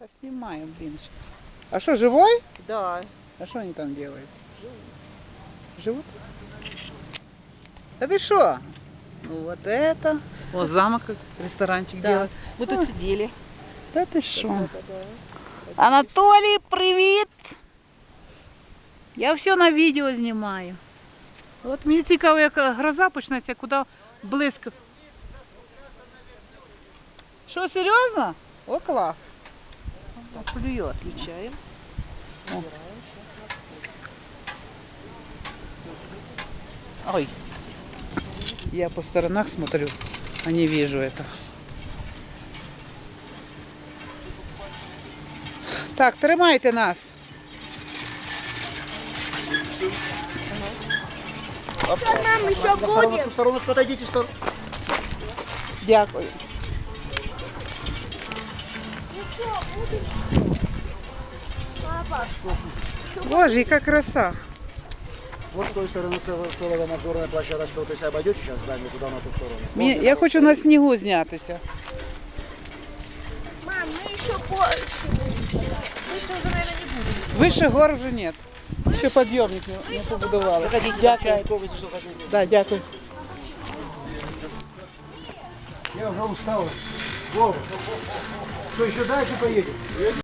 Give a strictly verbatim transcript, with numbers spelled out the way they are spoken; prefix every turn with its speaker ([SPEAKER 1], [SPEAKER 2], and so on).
[SPEAKER 1] Да снимаем, блин. А что, живой?
[SPEAKER 2] Да.
[SPEAKER 1] А что они там делают? Живут. Да ты что? Ну вот это. Вот замок, как ресторанчик
[SPEAKER 2] Да.
[SPEAKER 1] делает.
[SPEAKER 2] Мы тут
[SPEAKER 1] А.
[SPEAKER 2] сидели.
[SPEAKER 1] Да ты что?
[SPEAKER 2] Да, да, да.
[SPEAKER 1] Анатолий, привет! Я все на видео знімаю. От мені цікаво, як гроза почнеться, куди близько. Що, серйозно? О, клас. Плює.
[SPEAKER 2] Включаем.
[SPEAKER 1] О. Ой. Я по сторонах смотрю, а не вижу это. Так, тримайте нас.
[SPEAKER 3] Что нам еще будет?
[SPEAKER 4] В стороночку отойдите в сторону.
[SPEAKER 1] Дякую. Боже, яка краса.
[SPEAKER 4] Вот с той стороны цел- целая надзорная площадочка. Вот если обойдете сейчас здание туда, на ту сторону.
[SPEAKER 1] Мені- Я хочу на снігу знятися.
[SPEAKER 3] Мам, мы еще больше будем.
[SPEAKER 2] Выше уже, наверное, не будем.
[SPEAKER 1] Вище гор вже нет. Ще підйомник не, не побудували.
[SPEAKER 4] Заходите, там
[SPEAKER 1] Дякую.
[SPEAKER 4] чайков, если что хотите.
[SPEAKER 1] Да, дякую.
[SPEAKER 4] Я уже устал. Вова, что еще дальше поедем?